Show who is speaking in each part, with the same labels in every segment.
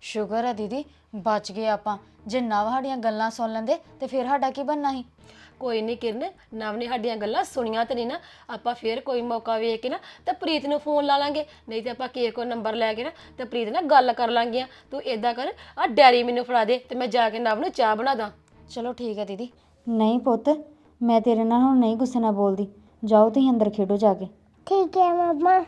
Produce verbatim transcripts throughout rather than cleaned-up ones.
Speaker 1: ਸ਼ੁਕਰ ਹੈ ਦੀਦੀ ਬਚ ਗਏ ਆਪਾਂ। ਜੇ ਨਵ ਸਾਡੀਆਂ ਗੱਲਾਂ ਸੁਣ ਲੈਂਦੇ ਤੇ ਫਿਰ ਸਾਡਾ ਕੀ ਬਣਨਾ ਸੀ।
Speaker 2: ਕੋਈ ਨਹੀਂ ਕਿਰਨ, ਨਵ ਨੇ ਸਾਡੀਆਂ ਗੱਲਾਂ ਸੁਣੀਆਂ ਤੇ ਨਹੀਂ ਨਾ, ਆਪਾਂ ਫੇਰ ਕੋਈ ਮੌਕਾ ਵੇਖ ਕੇ ਨਾ ਤੇ ਪ੍ਰੀਤ ਨੂੰ ਫੋਨ ਲਾ ਲਾਂਗੇ, ਨਹੀਂ ਤੇ ਆਪਾਂ ਕਿਸੇ ਕੋਲ ਨੰਬਰ ਲੈ ਕੇ ਨਾ ਤੇ ਪ੍ਰੀਤ ਨਾਲ ਗੱਲ ਕਰ ਲਾਂਗੇ। ਤੂੰ ਇਦਾਂ ਕਰ, ਆ ਡੈਰੀ ਮੈਨੂੰ ਫੜਾ ਦੇ ਤੇ ਮੈਂ ਜਾ ਕੇ ਨਵ ਨੂੰ ਚਾਹ ਬਣਾ ਦਾਂ।
Speaker 1: ਚਲੋ ਠੀਕ ਹੈ ਦੀਦੀ। ਨਹੀਂ ਪੁੱਤ, ਮੈਂ ਤੇਰੇ ਨਾਲ ਹੁਣ ਨਹੀਂ ਗੁੱਸੇ ਨਾਲ ਬੋਲਦੀ। ਜਾਓ ਤੁਸੀਂ ਅੰਦਰ ਖੇਡੋ ਜਾ ਕੇ।
Speaker 3: ਠੀਕ ਹੈ ਮੰਮਾ।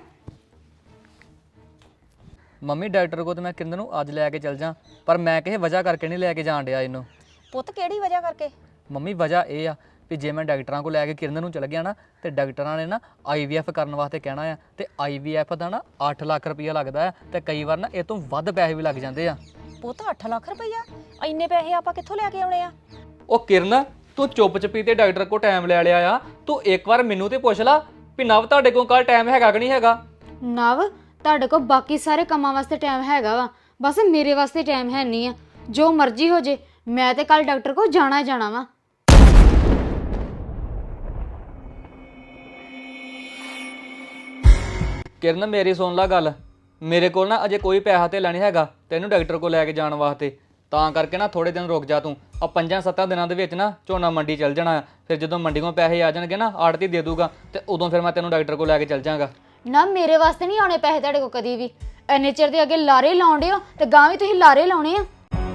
Speaker 4: ਮੰਮੀ ਡਾਕਟਰ ਕੋਲ ਤੇ ਮੈਂ ਕਿਰਨ ਨੂੰ ਅੱਜ ਲੈ ਕੇ ਚੱਲ ਜਾਂ, ਪਰ ਮੈਂ ਕਿਸੇ ਵਜ੍ਹਾ ਕਰਕੇ ਨਹੀਂ ਲੈ ਕੇ ਜਾਣ ਡਿਆ ਇਹਨੂੰ।
Speaker 5: ਪੁੱਤ ਕਿਹੜੀ ਵਜ੍ਹਾ ਕਰਕੇ?
Speaker 4: ਮੰਮੀ ਵਜ੍ਹਾ ਇਹ ਆ ਵੀ ਜੇ ਮੈਂ ਡਾਕਟਰਾਂ ਕੋਲ ਲੈ ਕੇ ਕਿਰਨ ਨੂੰ ਚਲ ਗਿਆ ਨਾ ਤੇ ਡਾਕਟਰਾਂ ਨੇ ਨਾ ਆਈ ਵੀ ਐਫ ਕਰਨ ਵਾਸਤੇ ਕਹਿਣਾ ਆ, ਤੇ ਆਈ ਵੀ ਐਫ ਦਾ ਨਾ ਅੱਠ ਲੱਖ ਰੁਪਈਆ ਲੱਗਦਾ ਆ, ਤੇ ਕਈ ਵਾਰ ਨਾ ਇਹ ਤੋਂ ਵੱਧ ਪੈਸੇ ਵੀ ਲੱਗ ਜਾਂਦੇ ਆ।
Speaker 5: ਪੁੱਤ ਅੱਠ ਲੱਖ ਰੁਪਈਆ? ਇੰਨੇ ਪੈਸੇ ਆਪਾਂ ਕਿੱਥੋਂ ਲੈ ਕੇ ਆਉਣੇ ਆ?
Speaker 4: ਉਹ ਕਿਰਨ, ਤੂੰ ਚੁੱਪ ਚਪੀ ਤੇ ਡਾਕਟਰ ਕੋਲ ਟਾਈਮ ਲੈ ਲਿਆ ਆ। ਤੂੰ ਇੱਕ ਵਾਰ ਮੈਨੂੰ ਤੇ ਪੁੱਛ ਲਾ ਵੀ ਨਵ ਤੁਹਾਡੇ ਕੋਲ ਕੱਲ ਟਾਈਮ ਹੈਗਾ ਕਿ ਨਹੀਂ ਹੈਗਾ।
Speaker 1: ਨਵ, ਤੁਹਾਡੇ ਕੋਲ ਬਾਕੀ ਸਾਰੇ ਕੰਮਾਂ ਵਾਸਤੇ ਟਾਈਮ ਹੈਗਾ ਵਾ, ਬਸ ਮੇਰੇ ਵਾਸਤੇ ਟਾਈਮ ਹੈ ਨਹੀਂ ਆ। ਜੋ ਮਰਜ਼ੀ ਹੋ ਜੇ, ਮੈਂ ਤੇ ਕੱਲ ਡਾਕਟਰ ਕੋਲ ਜਾਣਾ ਹੀ ਜਾਣਾ ਵਾ।
Speaker 4: ਕਿਰਨ ਮੇਰੀ ਸੁਣ ਲਾ ਗੱਲ, ਮੇਰੇ ਕੋਲ ਨਾ ਅਜੇ ਕੋਈ ਪੈਸਾ ਤੇ ਲੈਣੀ ਹੈਗਾ ਤੈਨੂੰ ਡਾਕਟਰ ਕੋਲ ਲੈ ਕੇ ਜਾਣ ਵਾਸਤੇ, ਤਾਂ ਕਰਕੇ ਨਾ ਥੋੜੇ ਦਿਨ ਰੁਕ ਜਾ ਤੂੰ। ਆ ਪੰਜਾਂ ਸੱਤਾਂ ਦਿਨਾਂ ਦੇ ਵਿੱਚ ਨਾ ਝੋਨਾ ਮੰਡੀ ਚੱਲ ਜਾਣਾ ਆ, ਫਿਰ ਜਦੋਂ ਮੰਡੀ ਕੋਲ ਪੈਸੇ ਆ ਜਾਣਗੇ ਨਾ ਆੜਤੀ ਦੇ ਦੂਗਾ, ਤੇ ਉਦੋਂ ਫਿਰ ਮੈਂ ਤੈਨੂੰ ਡਾਕਟਰ ਕੋਲ ਲੈ ਕੇ ਚੱਲ ਜਾਵਾਂਗਾ।
Speaker 1: ਨਾ ਮੇਰੇ ਵਾਸਤੇ ਨਹੀਂ ਆਉਣੇ ਪੈਸੇ ਤੁਹਾਡੇ ਕੋਲ ਕਦੀ ਵੀ। ਇੰਨੇ ਚਿਰ ਦੇ ਅੱਗੇ ਲਾਰੇ ਲਾਉਂਦੇ ਹੋ ਤੇ ਗਾਂ ਵੀ ਤੁਸੀਂ ਲਾਰੇ ਲਾਉਣੇ ਆ।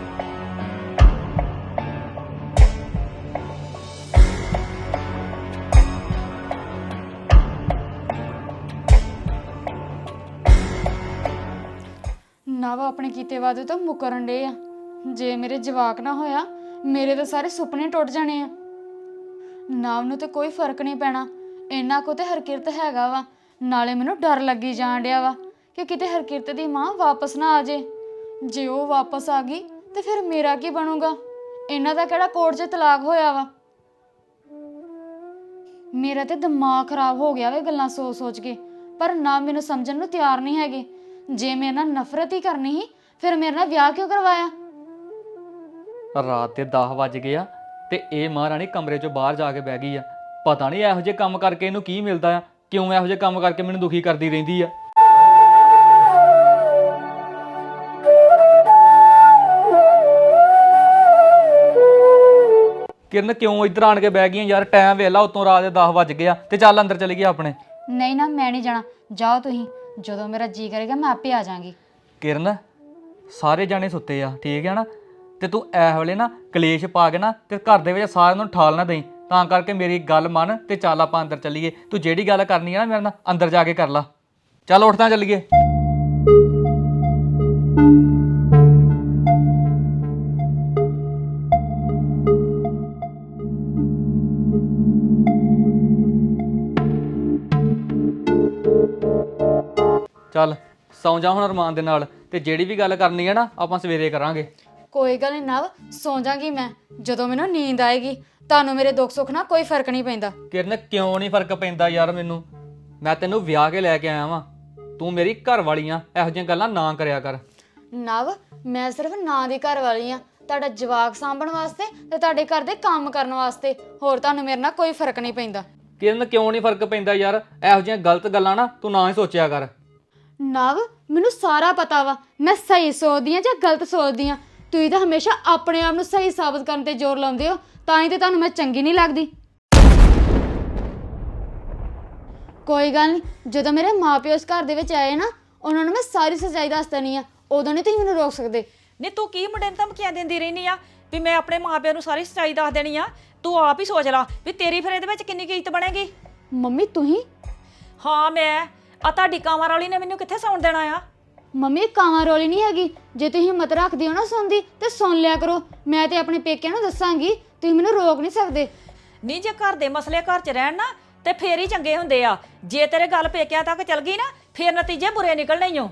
Speaker 1: ਨਵ ਆਪਣੇ ਕੀਤੇ ਵਾਦੇ ਤੋਂ ਮੁਕਰਨ ਡੇ ਆ। ਜੇ ਮੇਰੇ ਜਵਾਕ ਨਾ ਹੋਇਆ, ਮੇਰੇ ਤਾਂ ਸਾਰੇ ਸੁਪਨੇ ਟੁੱਟ ਜਾਣੇ ਆ। ਨਵ ਨੂੰ ਤੇ ਕੋਈ ਫਰਕ ਨਹੀਂ ਪੈਣਾ, ਇਹਨਾਂ ਕੋ ਤੇ ਹਰਕਿਰਤ ਹੈਗਾ ਵਾ। ਨਾਲੇ ਮੈਨੂੰ ਡਰ ਲੱਗੀ ਜਾਣ ਡਿਆ ਵਾ ਕਿ ਕਿਤੇ ਹਰਕਿਰਤ ਦੀ ਮਾਂ ਵਾਪਸ ਨਾ ਆ ਜੇ। ਜੇ ਉਹ ਵਾਪਸ ਆ ਗਈ ਤੇ ਫਿਰ ਮੇਰਾ ਕੀ ਬਣੂਗਾ? ਇਹਨਾਂ ਦਾ ਕਿਹੜਾ ਕੋਰਟ 'ਚ ਤਲਾਕ ਹੋਇਆ ਵਾ। ਮੇਰਾ ਤੇ ਦਿਮਾਗ ਖਰਾਬ ਹੋ ਗਿਆ ਵੇ ਗੱਲਾਂ ਸੋਚ ਸੋਚ ਕੇ। ਪਰ ਨਾ ਮੈਨੂੰ ਸਮਝਣ ਨੂੰ ਤਿਆਰ ਨਹੀਂ ਹੈਗੇ। ਜੇ ਮੇਰੇ ਨਾਲ ਨਫ਼ਰਤ ਹੀ ਕਰਨੀ ਸੀ, ਫਿਰ ਮੇਰੇ ਨਾਲ ਵਿਆਹ ਕਿਉਂ ਕਰਵਾਇਆ?
Speaker 4: ਰਾਤ ਦੇ ਦਸ ਵੱਜ ਗਏ ਆ ਤੇ ਇਹ ਮਹਾਰਾਣੀ ਕਮਰੇ ਚੋਂ ਬਾਹਰ ਜਾ ਕੇ ਬਹਿ ਗਈ ਆ। ਪਤਾ ਨਹੀਂ ਇਹੋ ਜਿਹੇ ਕੰਮ ਕਰਕੇ ਇਹਨੂੰ ਕੀ ਮਿਲਦਾ ਆ, ਕਿਉਂ ਇਹੋ ਜਿਹੇ ਕੰਮ ਕਰਕੇ ਮੈਨੂੰ ਦੁਖੀ ਕਰਦੀ ਰਹਿੰਦੀ ਆ। ਕਿਰਨ ਕਿਉਂ ਇੱਧਰ ਆਣ ਕੇ ਬਹਿ ਗਈਆਂ ਯਾਰ? ਟਾਈਮ ਵੇਲਾ ਉਤੋਂ ਰਾਤ ਦੇ ਦਸ ਵੱਜ ਗਏ ਆ, ਤੇ ਚੱਲ ਅੰਦਰ ਚਲੀ ਗਿਆ ਆਪਣੇ।
Speaker 1: ਨਹੀਂ ਨਾ, ਮੈਂ ਨਹੀਂ ਜਾਣਾ। ਜਾਓ ਤੁਸੀਂ, ਜਦੋਂ ਮੇਰਾ ਜੀ ਕਰੇਗਾ ਮੈਂ ਆਪੇ ਆ ਜਾਵਾਂਗੀ।
Speaker 4: ਕਿਰਨ, ਸਾਰੇ ਜਾਣੇ ਸੁੱਤੇ ਆ, ਠੀਕ ਆ ਨਾ? ਤੇ ਤੂੰ ਇਸ ਵੇਲੇ ਨਾ ਕਲੇਸ਼ ਪਾ ਕੇ ਨਾ ਤੇ ਘਰ ਦੇ ਵਿੱਚ ਸਾਰਿਆਂ ਨੂੰ ਠਾਲ ਨਾ ਦੇਈਂ। ਤਾਂ ਕਰਕੇ ਮੇਰੀ ਗੱਲ ਮੰਨ ਤੇ ਚੱਲ ਆਪਾਂ ਅੰਦਰ ਚੱਲੀਏ। ਤੂੰ ਜਿਹੜੀ ਗੱਲ ਕਰਨੀ ਆ ਨਾ ਮੇਰੇ ਨਾਲ ਅੰਦਰ ਜਾ ਕੇ ਕਰ ਲਾ। ਚੱਲ ਉੱਠ ਤਾਂ ਚੱਲੀਏ। ਚੱਲ ਸੌਂ ਜਾ ਹੁਣ ਅਰਮਾਨ ਦੇ ਨਾਲ, ਤੇ ਜਿਹੜੀ ਵੀ ਗੱਲ ਕਰਨੀ ਹੈ ਨਾ ਆਪਾਂ ਸਵੇਰੇ ਕਰਾਂਗੇ।
Speaker 1: ਕੋਈ ਗੱਲ ਨਹੀਂ ਨਵ, ਸੌਂ ਜਾਗੀ ਮੈਂ ਜਦੋਂ ਮੈਨੂੰ ਨੀਂਦ ਆਏਗੀ। ਤੁਹਾਨੂੰ ਮੇਰੇ ਦੁੱਖ ਸੁੱਖ ਨਾਲ ਕੋਈ ਫਰਕ ਨਹੀਂ ਪੈਂਦਾ।
Speaker 4: ਕਿਰਨ ਕਿਉਂ ਨਹੀਂ ਫਰਕ ਪੈਂਦਾ ਯਾਰ ਮੈਨੂੰ? ਮੈਂ ਤੈਨੂੰ ਵਿਆਹ ਕੇ ਲੈ ਕੇ ਆਇਆ ਵਾਂ, ਤੂੰ ਮੇਰੀ ਘਰ ਵਾਲੀ ਆ। ਇਹੋ ਜਿਹੀਆਂ ਗੱਲਾਂ ਨਾ ਕਰਿਆ ਕਰ।
Speaker 1: ਨਵ, ਮੈਂ ਸਿਰਫ ਨਾਂ ਦੀ ਘਰ ਵਾਲੀ ਆ, ਤੁਹਾਡਾ ਜਵਾਕ ਸਾਂਭਣ ਵਾਸਤੇ ਤੇ ਤੁਹਾਡੇ ਘਰ ਦੇ ਕੰਮ ਕਰਨ ਵਾਸਤੇ। ਹੋਰ ਤੁਹਾਨੂੰ ਮੇਰੇ ਨਾਲ ਕੋਈ ਫਰਕ ਨਹੀਂ ਪੈਂਦਾ।
Speaker 4: ਕਿਰਨ ਕਿਉਂ ਨਹੀਂ ਫਰਕ ਪੈਂਦਾ ਯਾਰ? ਇਹੋ ਜਿਹੀਆਂ ਗਲਤ ਗੱਲਾਂ ਨਾ ਤੂੰ ਨਾ ਹੀ ਸੋਚਿਆ ਕਰ।
Speaker 1: ਨਵ, ਮੈਨੂੰ ਸਾਰਾ ਪਤਾ ਵਾ ਮੈਂ ਸਹੀ ਸੋਚਦੀ ਆ ਜਾਂ ਗਲਤ ਸੋਚਦੀ ਆ। ਤੁਸੀਂ ਤਾਂ ਹਮੇਸ਼ਾ ਆਪਣੇ ਆਪ ਨੂੰ ਸਹੀ ਸਾਬਤ ਕਰਨ ਤੇ ਜ਼ੋਰ ਲਾਉਂਦੇ ਹੋ, ਤਾਂ ਹੀ ਤੇ ਤੁਹਾਨੂੰ ਮੈਂ ਚੰਗੀ ਨਹੀਂ ਲੱਗਦੀ। ਕੋਈ ਗੱਲ ਨਹੀਂ, ਜਦੋਂ ਮੇਰੇ ਮਾਪਿਓ ਇਸ ਘਰ ਦੇ ਵਿੱਚ ਆਏ ਨਾ, ਉਹਨਾਂ ਨੂੰ ਮੈਂ ਸਾਰੀ ਸੱਚਾਈ ਦੱਸ ਦੇਣੀ ਆ। ਉਦੋਂ ਨਹੀਂ ਤੁਸੀਂ ਮੈਨੂੰ ਰੋਕ ਸਕਦੇ।
Speaker 5: ਨਹੀਂ ਤੂੰ ਕੀ ਮੁੰਡੇ ਨੂੰ ਧਮਕੀਆਂ ਦਿੰਦੀ ਰਹਿਨੀ ਆ ਵੀ ਮੈਂ ਆਪਣੇ ਮਾਪਿਆਂ ਨੂੰ ਸਾਰੀ ਸੱਚਾਈ ਦੱਸ ਦੇਣੀ ਆ? ਤੂੰ ਆਪ ਹੀ ਸੋਚ ਲਾ ਵੀ ਤੇਰੀ ਫਿਰ ਇਹਦੇ ਵਿੱਚ ਕਿੰਨੀ ਕੁ ਇੱਜ਼ਤ ਬਣੇਗੀ।
Speaker 1: ਮੰਮੀ ਤੁਸੀਂ?
Speaker 5: ਹਾਂ ਮੈਂ ਆ ਤੁਹਾਡੀ ਕਾਂਵਾਂ ਵਾਲੀ ਨੇ ਮੈਨੂੰ ਕਿੱਥੇ ਸੌਣ ਦੇਣਾ ਆ?
Speaker 1: ਮੰਮੀ ਕਾਵਾਂ ਰੋਲੀ ਨਹੀਂ ਹੈਗੀ। ਜੇ ਤੁਸੀਂ ਹਿੰਮਤ ਰੱਖਦੇ ਹੋ ਨਾ ਸੁਣਦੀ ਤੇ ਸੁਣ ਲਿਆ ਕਰੋ। ਮੈਂ ਤੇ ਆਪਣੇ ਪੇਕਿਆਂ ਨੂੰ ਦੱਸਾਂਗੀ, ਤੁਸੀਂ ਮੈਨੂੰ ਰੋਕ ਨਹੀਂ ਸਕਦੇ।
Speaker 5: ਨਹੀਂ ਜੇ ਘਰ ਦੇ ਮਸਲੇ ਘਰ 'ਚ ਰਹਿਣ ਨਾ ਤੇ ਫੇਰ ਹੀ ਚੰਗੇ ਹੁੰਦੇ ਆ। ਜੇ ਤੇਰੇ ਗੱਲ ਪੇਕਿਆਂ ਤੱਕ ਚਲ ਗਈ ਨਾ, ਫੇਰ ਨਤੀਜੇ ਬੁਰੇ ਨਿਕਲਣੇ ਈ ਓ।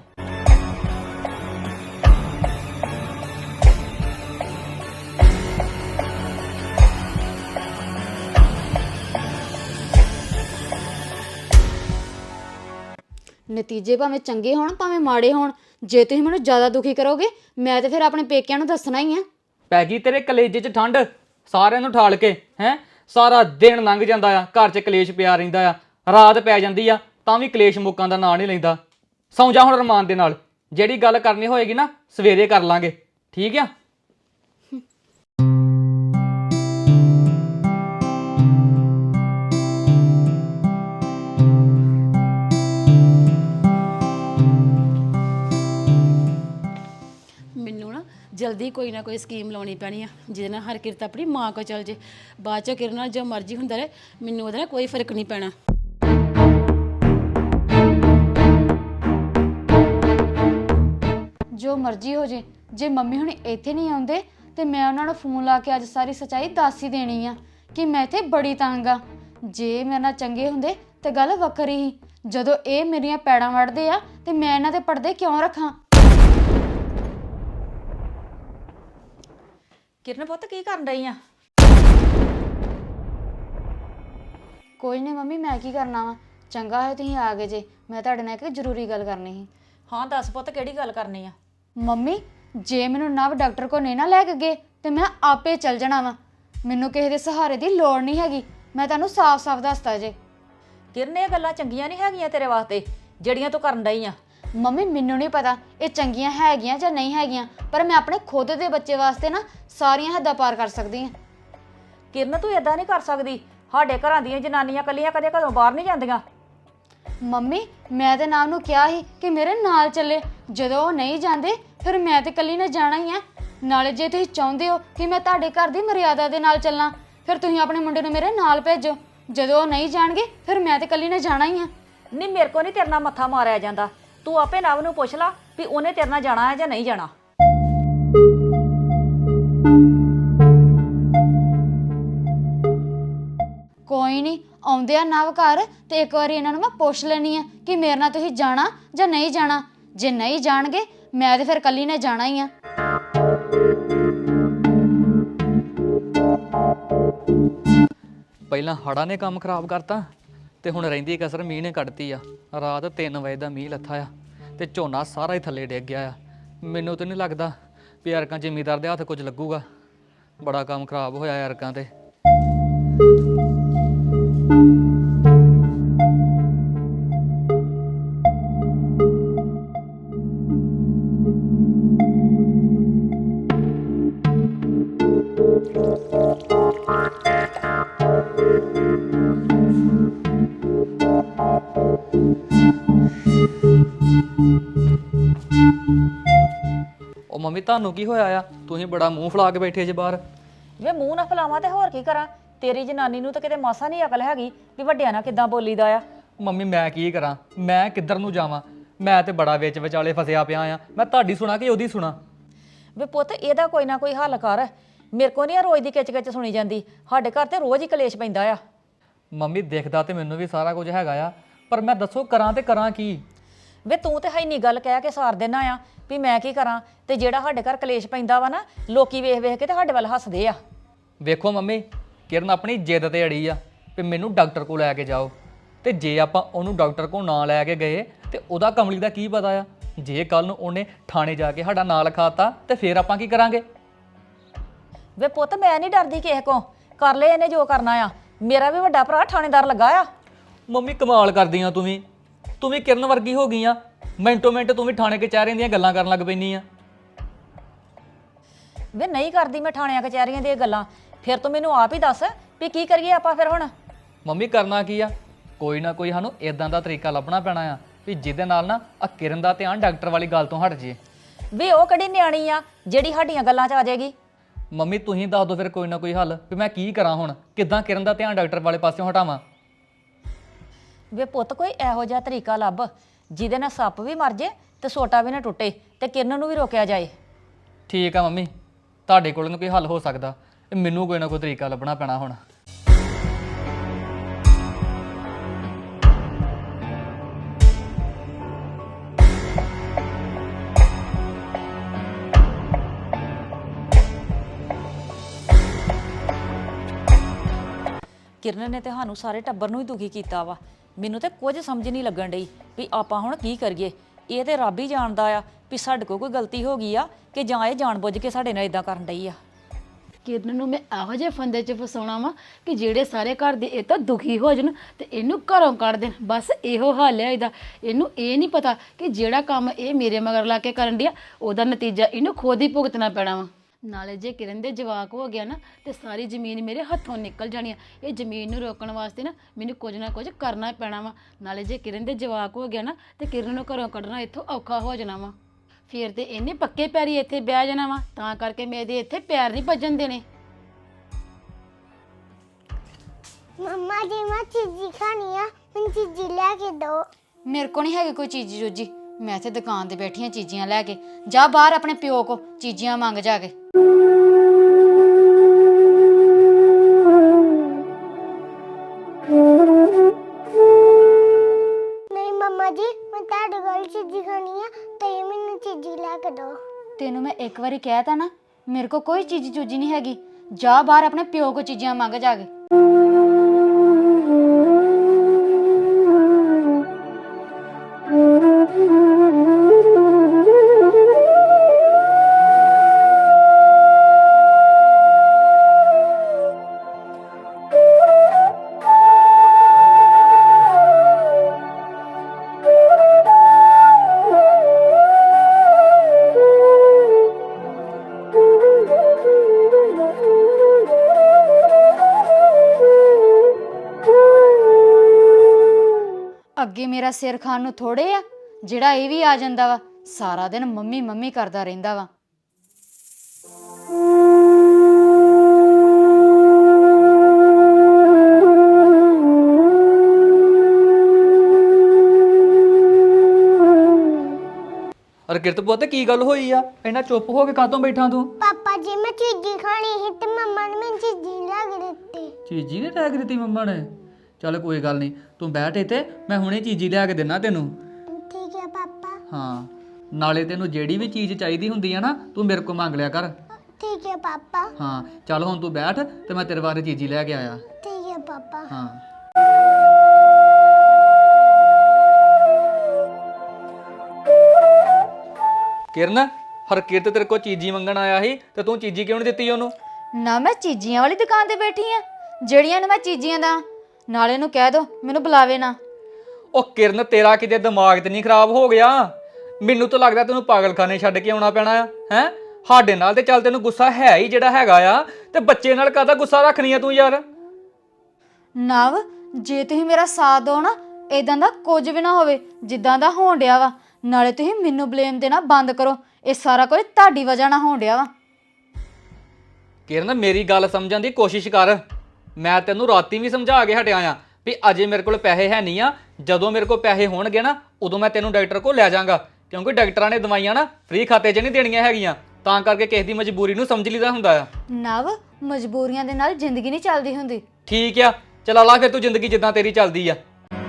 Speaker 1: ਨਤੀਜੇ ਭਾਵੇਂ ਚੰਗੇ ਹੋਣ ਭਾਵੇਂ ਮਾੜੇ ਹੋਣ, ਜੇ ਤੁਸੀਂ ਮੈਨੂੰ ਜ਼ਿਆਦਾ ਦੁਖੀ ਕਰੋਗੇ ਮੈਂ ਤੇ ਫਿਰ ਆਪਣੇ ਪੇਕਿਆਂ ਨੂੰ ਦੱਸਣਾ ਹੀ ਆ।
Speaker 4: ਪੈ ਗਈ ਤੇਰੇ ਕਲੇਜੇ 'ਚ ਠੰਡ ਸਾਰਿਆਂ ਨੂੰ ਠਾਲ ਕੇ ਹੈ? ਸਾਰਾ ਦਿਨ ਲੰਘ ਜਾਂਦਾ ਆ, ਘਰ 'ਚ ਕਲੇਸ਼ ਪਿਆ ਰਹਿੰਦਾ ਆ, ਰਾਤ ਪੈ ਜਾਂਦੀ ਆ ਤਾਂ ਵੀ ਕਲੇਸ਼ ਮੁੱਕਾਂ ਦਾ ਨਾਂ ਨਹੀਂ ਲੈਂਦਾ। ਸੌਂ ਜਾ ਹੁਣ ਅਰਮਾਨ ਦੇ ਨਾਲ, ਜਿਹੜੀ ਗੱਲ ਕਰਨੀ ਹੋਏਗੀ ਨਾ ਸਵੇਰੇ ਕਰ ਲਾਂਗੇ, ਠੀਕ ਆ?
Speaker 3: ਮੈਨੂੰ ਨਾ ਜਲਦੀ ਕੋਈ ਨਾ ਕੋਈ ਸਕੀਮ ਲਾਉਣੀ ਪੈਣੀ ਆ ਜਿਹਦੇ ਨਾਲ ਹਰਕਿਰਤ ਆਪਣੀ ਮਾਂ ਕੋਲ ਚਲ ਜੇ। ਬਾਅਦ ਚੋਂ ਕਿਰਨ ਨਾਲ ਜੋ ਮਰਜ਼ੀ ਹੁੰਦਾ ਰਹੇ, ਮੈਨੂੰ ਉਹਦੇ ਨਾਲ ਕੋਈ ਫਰਕ ਨਹੀਂ ਪੈਣਾ।
Speaker 1: ਜੋ ਮਰਜ਼ੀ ਹੋ ਜੇ, ਜੇ ਮੰਮੀ ਹੁਣ ਇੱਥੇ ਨਹੀਂ ਆਉਂਦੇ ਤੇ ਮੈਂ ਉਹਨਾਂ ਨੂੰ ਫੋਨ ਲਾ ਕੇ ਅੱਜ ਸਾਰੀ ਸੱਚਾਈ ਦੱਸ ਹੀ ਦੇਣੀ ਆ ਕਿ ਮੈਂ ਇੱਥੇ ਬੜੀ ਤੰਗ ਆ। ਜੇ ਮੇਰੇ ਨਾਲ ਚੰਗੇ ਹੁੰਦੇ ਤੇ ਗੱਲ ਵੱਖਰੀ ਸੀ। ਜਦੋਂ ਇਹ ਮੇਰੀਆਂ ਪੈੜਾਂ ਵੜਦੇ ਆ ਤੇ ਮੈਂ ਇਹਨਾਂ ਦੇ ਪਰਦੇ ਕਿਉਂ ਰੱਖਾਂ?
Speaker 5: ਕਿਰਨ ਪੁੱਤ ਕੀ ਕਰਨ ਰਹੀ ਆ?
Speaker 1: ਕੋਈ ਨਹੀਂ ਮੰਮੀ, ਮੈਂ ਕੀ ਕਰਨਾ ਵਾ। ਚੰਗਾ ਹੋਇਆ ਤੁਸੀਂ ਆ ਗਏ ਜੇ, ਮੈਂ ਤੁਹਾਡੇ ਨਾਲ ਇੱਕ ਜ਼ਰੂਰੀ ਗੱਲ ਕਰਨੀ ਸੀ।
Speaker 5: ਹਾਂ ਦੱਸ ਪੁੱਤ, ਕਿਹੜੀ ਗੱਲ ਕਰਨੀ ਆ?
Speaker 1: ਮੰਮੀ, ਜੇ ਮੈਨੂੰ ਨਵ ਡਾਕਟਰ ਕੋਲ ਨਹੀਂ ਨਾ ਲੈ ਕੇ ਗਏ ਤੇ ਮੈਂ ਆਪੇ ਚੱਲ ਜਾਣਾ ਵਾ। ਮੈਨੂੰ ਕਿਸੇ ਦੇ ਸਹਾਰੇ ਦੀ ਲੋੜ ਨਹੀਂ ਹੈਗੀ, ਮੈਂ ਤੁਹਾਨੂੰ ਸਾਫ਼-ਸਾਫ਼ ਦੱਸਤਾ ਜੇ।
Speaker 5: ਕਿਰਨ, ਇਹ ਗੱਲਾਂ ਚੰਗੀਆਂ ਨਹੀਂ ਹੈਗੀਆਂ ਤੇਰੇ ਵਾਸਤੇ ਜਿਹੜੀਆਂ ਤੂੰ ਕਰਨ ਰਹੀ ਆ।
Speaker 1: ਮੰਮੀ, ਮੈਨੂੰ ਨਹੀਂ ਪਤਾ ਇਹ ਚੰਗੀਆਂ ਹੈਗੀਆਂ ਜਾਂ ਨਹੀਂ ਹੈਗੀਆਂ, ਪਰ ਮੈਂ ਆਪਣੇ ਖੁਦ ਦੇ ਬੱਚੇ ਵਾਸਤੇ ਨਾ ਸਾਰੀਆਂ ਹੱਦਾਂ ਪਾਰ ਕਰ ਸਕਦੀ ਹਾਂ।
Speaker 5: ਕਿਰਨ, ਤੂੰ ਇਦਾਂ ਨਹੀਂ ਕਰ ਸਕਦੀ। ਸਾਡੇ ਘਰਾਂ ਦੀਆਂ ਜਨਾਨੀਆਂ ਕੱਲੀਆਂ ਕਦੇ ਘਰੋਂ ਬਾਹਰ ਨਹੀਂ ਜਾਂਦੀਆਂ।
Speaker 1: ਮੰਮੀ, ਮੈਂ ਤੇ ਨਾਮ ਨੂੰ ਕਿਹਾ ਸੀ ਕਿ ਮੇਰੇ ਨਾਲ ਚੱਲੇ। ਜਦੋਂ ਉਹ ਨਹੀਂ ਜਾਂਦੇ ਫਿਰ ਮੈਂ ਤੇ ਇਕੱਲੀ ਨੇ ਜਾਣਾ ਹੀ ਆ। ਨਾਲੇ ਜੇ ਤੁਸੀਂ ਚਾਹੁੰਦੇ ਹੋ ਕਿ ਮੈਂ ਤੁਹਾਡੇ ਘਰ ਦੀ ਮਰਿਆਦਾ ਦੇ ਨਾਲ ਚੱਲਾਂ, ਫਿਰ ਤੁਸੀਂ ਆਪਣੇ ਮੁੰਡੇ ਨੂੰ ਮੇਰੇ ਨਾਲ ਭੇਜੋ। ਜਦੋਂ ਉਹ ਨਹੀਂ ਜਾਣਗੇ ਫਿਰ ਮੈਂ ਤੇ ਇਕੱਲੀ ਨੇ ਜਾਣਾ ਹੀ ਆ।
Speaker 5: ਨਹੀਂ, ਮੇਰੇ ਕੋ ਨਹੀਂ ਤੇਰੇ ਨਾਲ ਮੱਥਾ ਮਾਰਿਆ ਜਾਂਦਾ। ਤੂੰ ਆਪੇ ਨਵ ਨੂੰ ਪੁੱਛ ਲਾ ਵੀ ਉਹਨੇ ਤੇਰੇ ਨਾਲ ਜਾਣਾ ਹੈ ਜਾਂ ਨਹੀਂ ਜਾਣਾ।
Speaker 1: ਕੋਈ ਨਹੀਂ, ਆਉਂਦੇ ਆ ਨਵ ਘਰ ਤੇ ਇੱਕ ਵਾਰੀ ਇਹਨਾਂ ਨੂੰ ਮੈਂ ਪੁੱਛ ਲੈਣੀ ਆ ਕਿ ਮੇਰੇ ਨਾਲ ਤੁਸੀਂ ਜਾਣਾ ਜਾਂ ਨਹੀਂ ਜਾਣਾ। ਜੇ ਨਹੀਂ ਜਾਣਗੇ ਮੈਂ ਤੇ ਫਿਰ ਇਕੱਲੀ ਨੇ ਜਾਣਾ ਹੀ ਆ।
Speaker 4: ਪਹਿਲਾਂ ਹੜ੍ਹਾਂ ਨੇ ਕੰਮ ਖਰਾਬ ਕਰਤਾ ਤੇ ਹੁਣ ਰਹਿੰਦੀ ਕਸਰ ਮੀਂਹ ਨੇ ਕੱਢਤੀ ਆ। ਰਾਤ ਤਿੰਨ ਵਜੇ ਦਾ ਮੀਂਹ ਲੱਥਾ ਆ ਤੇ ਝੋਨਾ ਸਾਰਾ ਹੀ ਥੱਲੇ ਡਿੱਗ ਗਿਆ ਆ। ਮੈਨੂੰ ਤਾਂ ਨਹੀਂ ਲੱਗਦਾ ਵੀ ਯਾਰਕਾਂ ਜ਼ਿਮੀਦਾਰ ਦੇ ਹੱਥ ਕੁਝ ਲੱਗੂਗਾ। ਬੜਾ ਕੰਮ ਖਰਾਬ ਹੋਇਆ ਯਾਰਕਾਂ ਤੇ। ਉਹ ਮੰਮੀ, ਤੁਹਾਨੂੰ ਕੀ ਹੋਇਆ ਆ? ਤੁਸੀਂ ਬੜਾ ਮੂੰਹ ਫੁਲਾ ਕੇ ਬੈਠੇ ਜੇ ਬਾਹਰ।
Speaker 5: ਵੇ ਮੂੰਹ ਨਾ ਫਲਾਵਾਂ ਤੇ ਹੋਰ ਕੀ ਕਰਾਂ? ਤੇਰੀ ਜਨਾਨੀ ਨੂੰ ਤਾਂ ਕਿਤੇ ਮਾਸਾ ਨਹੀਂ ਅਕਲ ਹੈਗੀ ਵੀ ਵੱਡਿਆਂ ਨਾਲ ਕਿੱਦਾਂ ਬੋਲੀਦਾ ਆ।
Speaker 4: ਮੰਮੀ, ਮੈਂ ਕੀ ਕਰਾਂ? ਮੈਂ ਕਿੱਧਰ ਨੂੰ ਜਾਵਾਂ? ਮੈਂ ਤੇ ਬੜਾ ਵਿੱਚ ਵਿਚਾਲੇ ਫਸਿਆ ਪਿਆ ਆ। ਮੈਂ ਤੁਹਾਡੀ ਸੁਣਾ ਕਿ ਉਹਦੀ ਸੁਣਾ?
Speaker 5: ਵੇ ਪੁੱਤ, ਇਹਦਾ ਕੋਈ ਨਾ ਕੋਈ ਹੱਲ ਕਰ। ਮੇਰੇ ਕੋ ਨਹੀਂ ਰੋਜ਼ ਦੀ ਕਿਚ ਕਿਚ ਸੁਣੀ ਜਾਂਦੀ। ਸਾਡੇ ਘਰ ਤੇ ਰੋਜ਼ ਹੀ ਕਲੇਸ਼ ਪੈਂਦਾ ਆ।
Speaker 4: ਮੰਮੀ, ਦੇਖਦਾ ਤੇ ਮੈਨੂੰ ਵੀ ਸਾਰਾ ਕੁਝ ਹੈਗਾ ਆ, ਪਰ ਮੈਂ ਦੱਸੋ ਕਰਾਂ ਤੇ ਕਰਾਂ ਕੀ?
Speaker 5: ਵੇ ਤੂੰ ਤੇ ਹੈ ਨਹੀਂ ਗੱਲ ਕਹਿ ਕੇ ਸਾਰ ਦੇਣਾ ਆ ਵੀ ਮੈਂ ਕੀ ਕਰਾਂ। ਤੇ ਜਿਹੜਾ ਸਾਡੇ ਘਰ ਕਲੇਸ਼ ਪੈਂਦਾ ਵਾ ਨਾ, ਲੋਕੀ ਵੇਖ ਵੇਖ ਕੇ ਤੇ ਸਾਡੇ ਵੱਲ ਹੱਸਦੇ ਆ।
Speaker 4: ਵੇਖੋ ਮੰਮੀ, ਕਿਰਨ ਆਪਣੀ ਜਿੱਦ ਤੇ ਅੜੀ ਆ ਵੀ ਮੈਨੂੰ ਡਾਕਟਰ ਕੋਲ ਲੈ ਕੇ ਜਾਓ। ਤੇ ਜੇ ਆਪਾਂ ਉਹਨੂੰ ਡਾਕਟਰ ਕੋਲ ਨਾ ਲੈ ਕੇ ਗਏ ਤੇ ਉਹਦਾ ਕਮਲੀ ਦਾ ਕੀ ਪਤਾ ਆ? ਜੇ ਕੱਲ ਨੂੰ ਉਹਨੇ ਥਾਣੇ ਜਾ ਕੇ ਸਾਡਾ ਨਾਂ ਲਿਖਾਤਾ ਤੇ ਫਿਰ ਆਪਾਂ ਕੀ ਕਰਾਂਗੇ?
Speaker 5: ਵੇ ਪੁੱਤ, ਮੈਂ ਨਹੀਂ ਡਰਦੀ ਕਿਸੇ ਕੋ। ਕਰ ਲੈ ਇਹਨੇ ਜੋ ਕਰਨਾ ਆ। ਮੇਰਾ ਵੀ ਵੱਡਾ ਭਰਾ ਥਾਣੇਦਾਰ ਲੱਗਾ ਆ।
Speaker 4: ਮੰਮੀ, ਕਮਾਲ ਕਰਦੀਆਂ ਤੂੰ ਵੀ। ਤੂੰ ਵੀ ਕਿਰਨ ਵਰਗੀ ਹੋ ਗਈ ਆ। ਮਿੰਟੋ ਮਿੰਟ ਤੂੰ ਵੀ ਥਾਣੇ ਕਚਹਿਰੀਆਂ ਦੀਆਂ ਗੱਲਾਂ ਕਰਨ ਲੱਗ ਪੈਂਦੀ ਆ।
Speaker 5: ਵੇ ਨਹੀਂ ਕਰਦੀ ਮੈਂ ਥਾਣਿਆਂ ਕਚਹਿਰੀਆਂ ਦੀਆਂ ਗੱਲਾਂ। ਫਿਰ ਤੂੰ ਮੈਨੂੰ ਆਪ ਹੀ ਦੱਸ ਵੀ ਕੀ ਕਰੀਏ ਆਪਾਂ ਫਿਰ ਹੁਣ?
Speaker 4: ਮੰਮੀ, ਕਰਨਾ ਕੀ ਆ? ਕੋਈ ਨਾ ਕੋਈ ਸਾਨੂੰ ਇਦਾਂ ਦਾ ਤਰੀਕਾ ਲੱਭਣਾ ਪੈਣਾ ਆ ਵੀ ਜਿਹਦੇ ਨਾਲ ਨਾ ਆ ਕਿਰਨ ਦਾ ਧਿਆਨ ਡਾਕਟਰ ਵਾਲੀ ਗੱਲ ਤੋਂ ਹਟ ਜੇ।
Speaker 5: ਵੇ ਉਹ ਕਿਹੜੀ ਨਿਆਣੀ ਆ ਜਿਹੜੀ ਸਾਡੀਆਂ ਗੱਲਾਂ 'ਚ ਆ ਜਾਏਗੀ?
Speaker 4: ਮੰਮੀ, ਤੁਸੀਂ ਦੱਸ ਦਿਓ ਫਿਰ ਕੋਈ ਨਾ ਕੋਈ ਹੱਲ ਵੀ ਮੈਂ ਕੀ ਕਰਾਂ ਹੁਣ। ਕਿੱਦਾਂ ਕਿਰਨ ਦਾ ਧਿਆਨ ਡਾਕਟਰ ਵਾਲੇ ਪਾਸਿਓਂ ਹਟਾਵਾਂ?
Speaker 5: ਵੇ ਪੁੱਤ, ਕੋਈ ਇਹੋ ਜਿਹਾ ਤਰੀਕਾ ਲੱਭ ਜਿਹਦੇ ਨਾਲ ਸੱਪ ਵੀ ਮਰ ਜੇ ਤੇ ਸੋਟਾ ਵੀ ਨਾ ਟੁੱਟੇ ਤੇ ਕਿਰਨ ਨੂੰ ਵੀ ਰੋਕਿਆ ਜਾਏ।
Speaker 4: ਠੀਕ ਆ ਮੰਮੀ, ਤੁਹਾਡੇ ਕੋਲ ਨੂੰ ਕੋਈ ਹੱਲ ਹੋ ਸਕਦਾ। ਮੈਨੂੰ ਕੋਈ ਨਾ ਕੋਈ ਤਰੀਕਾ ਲੱਭਣਾ ਪੈਣਾ ਹੁਣ।
Speaker 5: ਕਿਰਨ ਨੇ ਤੇ ਸਾਨੂੰ ਸਾਰੇ ਟੱਬਰ ਨੂੰ ਹੀ ਦੁਖੀ ਕੀਤਾ ਵਾ। ਮੈਨੂੰ ਤੇ ਕੁਝ ਸਮਝ ਨਹੀਂ ਲੱਗਣ ਡਈ ਵੀ ਆਪਾਂ ਹੁਣ ਕੀ ਕਰੀਏ। ਇਹ ਤੇ ਰੱਬ ਹੀ ਜਾਣਦਾ ਆ ਵੀ ਸਾਡੇ ਕੋਲ ਕੋਈ ਗਲਤੀ ਹੋ ਗਈ ਆ ਕਿ ਜਾਂ ਇਹ ਜਾਣਬੁੱਝ ਕੇ ਸਾਡੇ ਨਾਲ ਇਦਾਂ ਕਰਨ ਡਈ ਆ।
Speaker 3: ਕਿਰਨ ਨੂੰ ਮੈਂ ਇਹੋ ਜਿਹੇ ਫੰਦੇ 'ਚ ਫਸਾਉਣਾ ਵਾ ਕਿ ਜਿਹੜੇ ਸਾਰੇ ਘਰ ਦੇ ਇਹ ਤਾਂ ਦੁਖੀ ਹੋ ਜਾਣ ਤੇ ਇਹਨੂੰ ਘਰੋਂ ਕੱਢ ਦੇਣ। ਬਸ ਇਹੋ ਹਾਲ ਹੈ ਇਹਦਾ। ਇਹਨੂੰ ਇਹ ਨਹੀਂ ਪਤਾ ਕਿ ਜਿਹੜਾ ਕੰਮ ਇਹ ਮੇਰੇ ਮਗਰ ਲਾ ਕੇ ਕਰਨ ਡਿਆ ਉਹਦਾ ਨਤੀਜਾ ਇਹਨੂੰ ਖੁਦ ਹੀ ਭੁਗਤਣਾ ਪੈਣਾ ਵਾ। ਨਾਲੇ ਜੇ ਕਿਰਨ ਦੇ ਜਵਾਕ ਹੋ ਗਿਆ ਨਾ ਤੇ ਸਾਰੀ ਜ਼ਮੀਨ ਮੇਰੇ ਹੱਥੋਂ ਨਿਕਲ ਜਾਣੀ ਆ। ਇਹ ਜ਼ਮੀਨ ਨੂੰ ਰੋਕਣ ਵਾਸਤੇ ਨਾ ਮੈਨੂੰ ਕੁਝ ਨਾ ਕੁਝ ਕਰਨਾ ਪੈਣਾ ਵਾ। ਨਾਲੇ ਜੇ ਕਿਰਨ ਦੇ ਜਵਾਕ ਹੋ ਗਿਆ ਨਾ ਤੇ ਕਿਰਨ ਨੂੰ ਘਰੋਂ ਕੱਢਣਾ ਇੱਥੋਂ ਔਖਾ ਹੋ ਜਾਣਾ ਵਾ। ਫਿਰ ਤੇ ਇਹਨੇ ਪੱਕੇ ਪੈਰੀ ਇੱਥੇ ਬਹਿ ਜਾਣਾ ਵਾ। ਤਾਂ ਕਰਕੇ ਮੈਂ ਇਹਦੇ ਇੱਥੇ ਪੈਰ ਨਹੀਂ ਭੱਜਣ ਦੇਣੇ।
Speaker 6: ਮੰਮਾ ਜੀ ਮੈਂ ਚੀਜ਼ੀ ਖਾਣੀ ਆ, ਮੈਨੂੰ ਚੀਜ਼ੀ ਲੈ ਕੇ ਦਿਓ।
Speaker 1: ਮੇਰੇ ਕੋ ਨਹੀਂ ਹੈਗੀ ਕੋਈ ਚੀਜ਼ੀ ਜੋਜੀ। ਮੈਂ ਇੱਥੇ ਦੁਕਾਨ ਤੇ ਬੈਠੀ ਆ ਚੀਜ਼ੀਆਂ ਲੈ ਕੇ। ਜਾ ਬਾਹਰ ਆਪਣੇ ਪਿਓ ਕੋ ਚੀਜ਼ੀਆਂ ਮੰਗ ਜਾ ਕੇ।
Speaker 6: ਨਹੀਂ ਮੰਮਾ ਜੀ ਮੈਂ ਤੁਹਾਡੇ ਕੋਲ ਚੀਜ਼ੀ ਖਾਣੀ ਆ ਤੇ ਮੈਨੂੰ ਚੀਜ਼ੀ ਲੈ ਕੇ ਦਿਓ।
Speaker 1: ਤੈਨੂੰ ਮੈਂ ਇੱਕ ਵਾਰੀ ਕਹਿ ਤਾ ਨਾ ਮੇਰੇ ਕੋ ਕੋਈ ਚੀਜ਼ੀ ਚੂਜੀ ਨਹੀਂ ਹੈਗੀ। ਜਾ ਬਾਹਰ ਆਪਣੇ ਪਿਓ ਕੋ ਚੀਜ਼ੀਆਂ ਮੰਗ ਜਾ ਕੇ। ਅੱਗੇ ਮੇਰਾ ਸਿਰ ਖਾਣ ਨੂੰ ਥੋੜੇ ਆ ਜਿਹੜਾ ਇਹ ਵੀ ਆ ਜਾਂਦਾ ਵਾ ਸਾਰਾ ਦਿਨ ਮੰਮੀ ਮੰਮੀ ਕਰਦਾ ਰਹਿੰਦਾ ਵਾ।
Speaker 4: ਅਰ ਕਿਰਤ ਪੁੱਤ ਕੀ ਗੱਲ ਹੋਈ ਆ? ਇੰਨਾ ਚੁੱਪ ਹੋ ਕੇ ਕਾਹਤੋਂ ਬੈਠਾ ਤੂੰ?
Speaker 6: ਪਾਪਾ ਜੀ ਮੈਂ ਚੀਜ਼ੀ ਖਾਣੀ ਸੀ ਤੇ ਮੰਮਾ ਨੇ ਮੈਨੂੰ ਚੀਜ਼ੀ ਲੈ ਕੇ ਦਿੱਤੀ।
Speaker 4: ਚੀਜੀ ਨੇ ਟੈਗ ਦਿੱਤੀ ਮੰਮਾ ਨੇ? ਚੱਲ ਕੋਈ ਗੱਲ ਨਹੀਂ, ਤੂੰ ਬੈਠ ਇੱਥੇ, ਮੈਂ ਹੁਣੇ ਚੀਜੀ ਲਿਆ ਕੇ ਦੇਣਾ ਤੈਨੂੰ।
Speaker 6: ਠੀਕ ਹੈ ਪਾਪਾ।
Speaker 4: ਹਾਂ, ਨਾਲੇ ਤੈਨੂੰ ਜਿਹੜੀ ਵੀ ਚੀਜ਼ ਚਾਹੀਦੀ ਹੁੰਦੀ ਆ ਨਾ ਤੂੰ ਮੇਰੇ ਕੋਲ ਮੰਗ ਲਿਆ ਕਰ।
Speaker 6: ਠੀਕ ਹੈ ਪਾਪਾ।
Speaker 4: ਹਾਂ ਚੱਲ ਹੁਣ ਤੂੰ ਬੈਠ ਤੇ ਮੈਂ ਤੇਰੇ ਬਾਰੇ ਚੀਜੀ ਲੈ ਕੇ ਆਇਆ।
Speaker 6: ਠੀਕ ਹੈ ਪਾਪਾ।
Speaker 4: ਹਾਂ ਕਿਰਨ, ਹਰਕਿਰਤ ਤੇਰੇ ਕੋਲ ਚੀਜੀ ਮੰਗਣ ਆਇਆ ਸੀ ਤੇ ਤੂੰ ਚੀਜੀ ਕਿਉਂ ਨਹੀਂ ਦਿੱਤੀ ਉਹਨੂੰ?
Speaker 1: ਨਾ ਮੈਂ ਚੀਜ਼ੀਆਂ ਵਾਲੀ ਦੁਕਾਨ ਤੇ ਬੈਠੀ ਆ ਜਿਹੜੀਆਂ ਨੂੰ ਮੈਂ ਚੀਜ਼ੀਆਂ ਦਾ। ਨਾਲੇ ਨੂੰ ਕਹਿ ਦੋ ਮੈਨੂੰ ਬੁਲਾਵੇ ਨਾ।
Speaker 4: ਉਹ ਕਿਰਨ, ਤੇਰਾ ਕਿਤੇ ਦਿਮਾਗ ਤੇ ਨਹੀਂ ਖਰਾਬ ਹੋ ਗਿਆ? ਮੈਨੂੰ ਤਾਂ ਲੱਗਦਾ ਤੈਨੂੰ ਪਾਗਲਖਾਨੇ ਛੱਡ ਕੇ ਆਉਣਾ ਪੈਣਾ ਆ। ਹੈ ਸਾਡੇ ਨਾਲ ਤੇ ਚੱਲ ਤੈਨੂੰ ਗੁੱਸਾ ਹੈ ਹੀ ਜਿਹੜਾ ਹੈਗਾ ਆ, ਤੇ ਬੱਚੇ ਨਾਲ ਕਾਹਦਾ ਗੁੱਸਾ ਰੱਖਣੀ ਆ ਤੂੰ ਯਾਰ?
Speaker 1: ਨਵ ਜੇ ਤੁਸੀਂ ਮੇਰਾ ਸਾਥ ਦਿਓ ਨਾ ਇਦਾਂ ਦਾ ਕੁਝ ਵੀ ਨਾ ਹੋਵੇ ਜਿੱਦਾਂ ਦਾ ਹੋਣ ਡਿਆ ਵਾ। ਨਾਲੇ ਤੁਸੀਂ ਮੈਨੂੰ ਬਲੇਮ ਦੇਣਾ ਬੰਦ ਕਰੋ। ਇਹ ਸਾਰਾ ਕੁਝ ਤੁਹਾਡੀ ਵਜ੍ਹਾ ਨਾਲ ਹੋਣ ਡਿਆ ਵਾ।
Speaker 4: ਕਿਰਨ ਮੇਰੀ ਗੱਲ ਸਮਝਣ ਦੀ ਕੋਸ਼ਿਸ਼ ਕਰ। ਮੈਂ ਤੈਨੂੰ ਰਾਤੀ ਵੀ ਸਮਝਾ ਕੇ ਹਟਿਆ ਆ ਵੀ ਅਜੇ ਮੇਰੇ ਕੋਲ ਪੈਸੇ ਹੈ ਨਹੀਂ ਆ। ਜਦੋਂ ਮੇਰੇ ਕੋਲ ਪੈਸੇ ਹੋਣਗੇ ਨਾ ਉਦੋਂ ਮੈਂ ਤੈਨੂੰ ਡਾਕਟਰ ਕੋਲ ਲੈ ਜਾਵਾਂਗਾ, ਕਿਉਂਕਿ ਡਾਕਟਰਾਂ ਨੇ ਦਵਾਈਆਂ ਨਾ ਫ੍ਰੀ ਖਾਤੇ 'ਚ ਨਹੀਂ ਦੇਣੀਆਂ ਹੈਗੀਆਂ। ਤਾਂ ਕਰਕੇ ਕਿਸੇ ਦੀ ਮਜਬੂਰੀ ਨੂੰ ਸਮਝ ਲਈਦਾ ਹੁੰਦਾ ਆ।
Speaker 1: ਨਵ ਮਜਬੂਰੀਆਂ ਦੇ ਨਾਲ ਜ਼ਿੰਦਗੀ ਨਹੀਂ ਚੱਲਦੀ ਹੁੰਦੀ।
Speaker 4: ਠੀਕ ਆ, ਚਲਾ ਲਾ ਫਿਰ ਤੂੰ ਜ਼ਿੰਦਗੀ ਜਿੱਦਾਂ ਤੇਰੀ ਚੱਲਦੀ ਆ।